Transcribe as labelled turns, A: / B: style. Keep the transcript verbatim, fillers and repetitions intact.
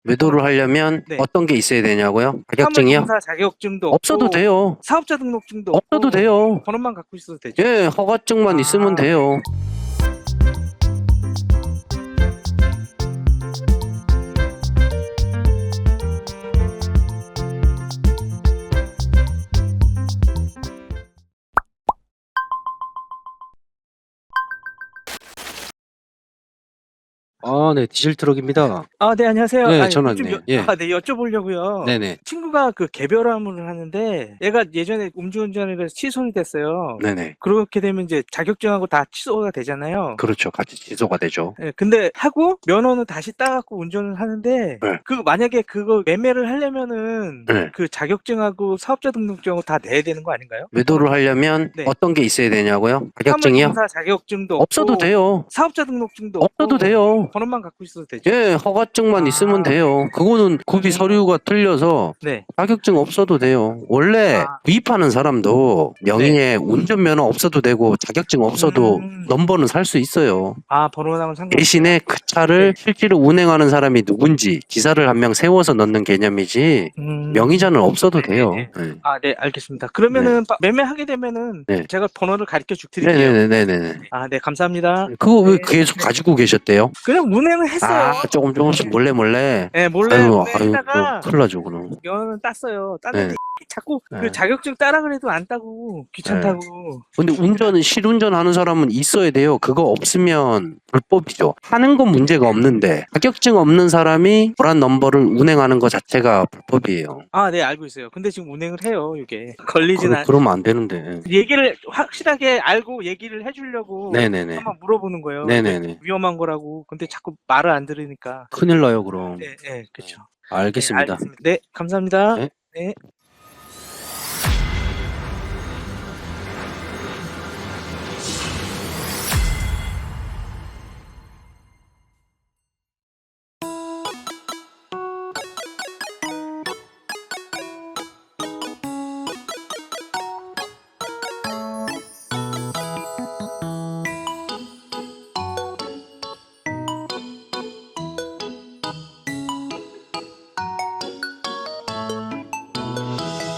A: 매도를 하려면
B: 네.
A: 어떤 게 있어야 되냐고요? 자격증이요?
B: 사무공사 자격증도
A: 없어도
B: 없고
A: 돼요.
B: 사업자 등록증도
A: 없어도
B: 없고
A: 돼요.
B: 번호만 갖고 있어도 되죠?
A: 예, 허가증만
B: 아.
A: 있으면 돼요. 아, 네, 디젤 트럭입니다.
B: 아, 네, 안녕하세요.
A: 네,
B: 아니,
A: 전화
B: 좀
A: 네,
B: 여,
A: 예.
B: 아, 네, 여쭤보려고요.
A: 네네.
B: 친구가 그 개별화물을 하는데 얘가 예전에 음주운전을 해서 취소가 됐어요.
A: 네네.
B: 그렇게 되면 이제 자격증하고 다 취소가 되잖아요.
A: 그렇죠. 같이 취소가 되죠.
B: 예, 근데 하고 면허는 다시 따갖고 운전을 하는데
A: 네.
B: 그 만약에 그거 매매를 하려면은
A: 네.
B: 그 자격증하고 사업자 등록증하고 다 내야 되는 거 아닌가요?
A: 매도를 하려면
B: 네.
A: 어떤 게 있어야 되냐고요? 자격증이요?
B: 사무공사 자격증도
A: 없어도
B: 없고
A: 돼요.
B: 사업자 등록증도
A: 없어도
B: 없고
A: 돼요.
B: 번호만 갖고 있어도 되죠?
A: 예, 허가증만
B: 아.
A: 있으면 돼요. 그거는 구비
B: 음.
A: 서류가 틀려서
B: 네.
A: 자격증 없어도 돼요. 원래
B: 아.
A: 구입하는 사람도 명의에 운전면허 없어도 되고 자격증 없어도
B: 음.
A: 넘버는 살 수 있어요.
B: 아, 번호랑은 상관없어요?
A: 대신에 그 차를
B: 네.
A: 실제로 운행하는 사람이 누군지 기사를 한 명 세워서 넣는 개념이지
B: 음.
A: 명의자는 없어도 돼요.
B: 네네.
A: 네.
B: 아, 네, 알겠습니다. 그러면은 빠- 매매하게 되면은
A: 네.
B: 제가 번호를 가르쳐 줄 드릴게요.
A: 네네네네네.
B: 아, 네, 감사합니다.
A: 그거 왜
B: 네.
A: 계속 가지고 계셨대요?
B: 그냥 운행을 했어요.
A: 아, 조금 조금씩 몰래 몰래.
B: 네, 몰래
A: 아유, 아유,
B: 운행했다가
A: 큰일 나죠, 그럼.
B: 면허는 땄어요. 땄는데
A: 네.
B: 자꾸
A: 네.
B: 그 자격증 따라 그래도 안 따고 귀찮다고.
A: 근데 운전은 실운전 하는 사람은 있어야 돼요. 그거 없으면 불법이죠. 하는 건 문제가 없는데 자격증 없는 사람이 불안 넘버를 운행하는 것 자체가 불법이에요.
B: 아, 네, 알고 있어요. 근데 지금 운행을 해요, 이게. 걸리진
A: 그러,
B: 않.
A: 그러면 안 되는데.
B: 얘기를 확실하게 알고 얘기를 해주려고
A: 네네네.
B: 한번 물어보는 거예요.
A: 네네네.
B: 근데 위험한 거라고. 근데 자꾸 말을 안 들으니까.
A: 큰일 나요, 그럼.
B: 네, 네, 그렇죠.
A: 알겠습니다.
B: 네, 알겠습니다. 네, 감사합니다.
A: 네.
B: 네.